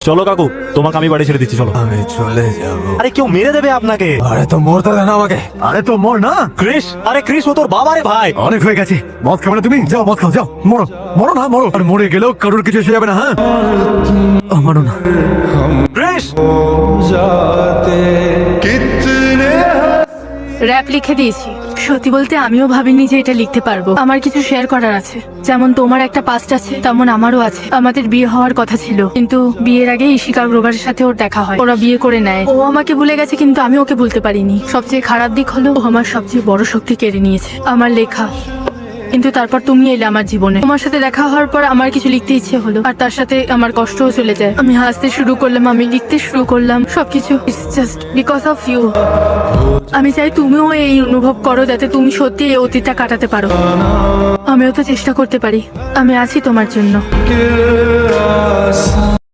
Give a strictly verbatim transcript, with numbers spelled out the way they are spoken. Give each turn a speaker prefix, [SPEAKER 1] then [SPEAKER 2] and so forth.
[SPEAKER 1] চলো কাকু, তোমাকে আমি বাড়ি ছেড়ে দিচ্ছি, চলো।
[SPEAKER 2] আমি চলে যাব।
[SPEAKER 1] আরে কেউ মেরে দেবে আপনাকে।
[SPEAKER 2] আরে তো মরতে দেন আমাকে। আরে তো মর না।
[SPEAKER 1] ক্রিস, আরে ক্রিস ও তোর বাবা রে ভাই।
[SPEAKER 2] অনেক হয়ে গেছে, মদ খাবে না তুমি? যাও মদ খাও, যাও মরো মরো না মরো। আর মরে গেলেও কারোর কিছু এসে যাবে না। হ্যাঁ আমারও না।
[SPEAKER 1] ক্রিস,
[SPEAKER 3] র‍্যাপ লিখে দিয়েছি। সত্যি বলতে আমিও ভাবিনি যে এটা লিখতে পারবো। আমার কিছু শেয়ার করার আছে। যেমন তোমার একটা পাস্ট আছে, তেমন আমারও আছে। আমাদের বিয়ে হওয়ার কথা ছিল, কিন্তু বিয়ের আগে ইশিকা গ্রোভারের সাথে ওর দেখা হয়। ওরা বিয়ে করে নেয়। ও আমাকে ভুলে গেছে, কিন্তু আমি ওকে ভুলতে পারিনি। সবচেয়ে খারাপ দিক হলো ও আমার সবচেয়ে বড় শক্তি কেড়ে নিয়েছে, আমার লেখা। কিন্তু তারপর তুমি এলে আমার জীবনে। তোমার সাথে দেখা হওয়ার পর আমার কিছু লিখতে ইচ্ছে হলো, আর তার সাথে আমার কষ্টও চলে যায়। আমি হাসতে শুরু করলাম, আমি লিখতে শুরু করলাম, সবকিছু it's just because of you. আমি চাই তুমিও এই অনুভব করো, যাতে তুমি সত্যি এই অতীতটা কাটাতে পারো। আমিও তো চেষ্টা করতে পারি। আমি আছি তোমার জন্য।